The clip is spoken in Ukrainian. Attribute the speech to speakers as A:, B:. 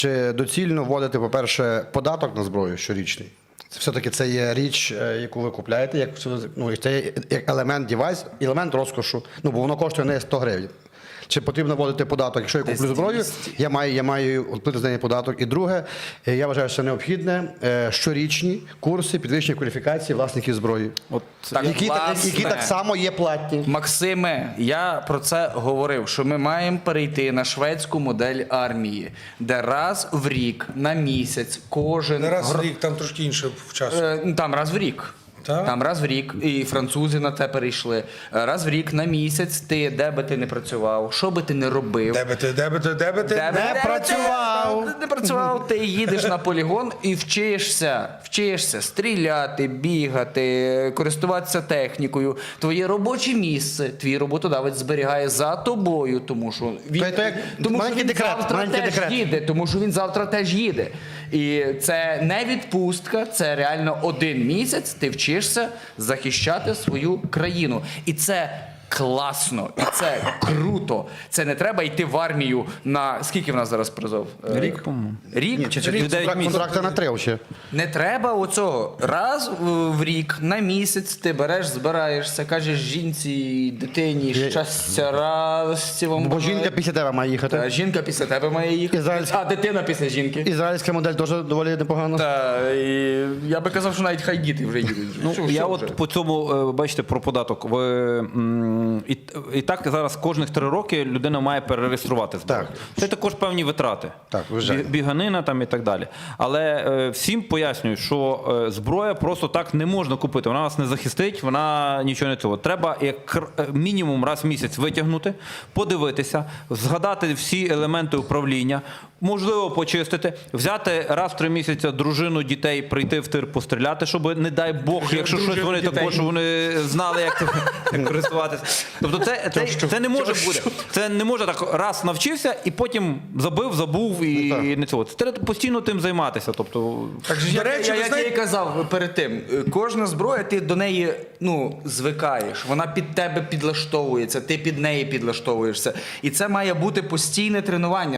A: Чи доцільно вводити, по-перше, податок на зброю щорічний? Все-таки це є річ, яку ви купляєте, це є як елемент девайс, елемент розкошу, бо воно коштує не 100 гривень. Чи потрібно вводити податок? Якщо я куплю зброю, я маю платити за неї податок. І друге, я вважаю, що це необхідне щорічні курси підвищення кваліфікації власників зброї, які так само є платні.
B: Максиме, я про це говорив, що ми маємо перейти на шведську модель армії, де раз в рік, на місяць, кожен...
C: Не раз в рік, там трошки інше в часу.
B: Там раз в рік.
C: Так?
B: Там раз в рік, і французи на це перейшли. Раз в рік, на місяць, ти, де би ти не працював, що би ти не робив.
C: Де би ти?
B: Не працював, ти їдеш на полігон і вчишся стріляти, бігати, користуватися технікою. Твоє робоче місце, твій роботодавець зберігає за тобою, тому що він завтра теж їде. І це не відпустка, це реально один місяць, ти вчишся захищати свою країну. І це класно, і це круто. Це не треба йти в армію на... Скільки в нас зараз призов?
D: Рік, по-моєму.
B: Рік?
A: Контракти на 3 ще.
B: Не треба оцього. Раз в рік, на місяць ти береш, збираєшся, кажеш жінці, дитині, щастя, радості вам.
A: Бо жінка після тебе має їхати.
B: Жінка після тебе має їхати, а дитина після жінки.
A: Ізраїльська модель теж доволі непогана.
B: І я би казав, що навіть хай діти вже їдуть.
D: Я от по цьому, бачите, про податок. І так зараз кожних 3 роки людина має перереєструвати зброю. Це також певні витрати. Біганина там і так далі. Але всім пояснюю, що зброя просто так не можна купити. Вона вас не захистить, вона нічого не цього. Треба як мінімум раз в місяць витягнути, подивитися, згадати всі елементи управління, можливо, почистити, взяти раз в 3 місяці дружину, дітей, прийти в тир, постріляти, щоб, не дай Бог, якщо щось вони також, вони знали, як користуватися. Тобто це не може бути. Це не може так раз навчився і потім забув і не цього. Це треба постійно тим займатися. Тобто,
B: як я і казав перед тим, кожна зброя, ти до неї звикаєш, вона під тебе підлаштовується, ти під неї підлаштовуєшся. І це має бути постійне тренування.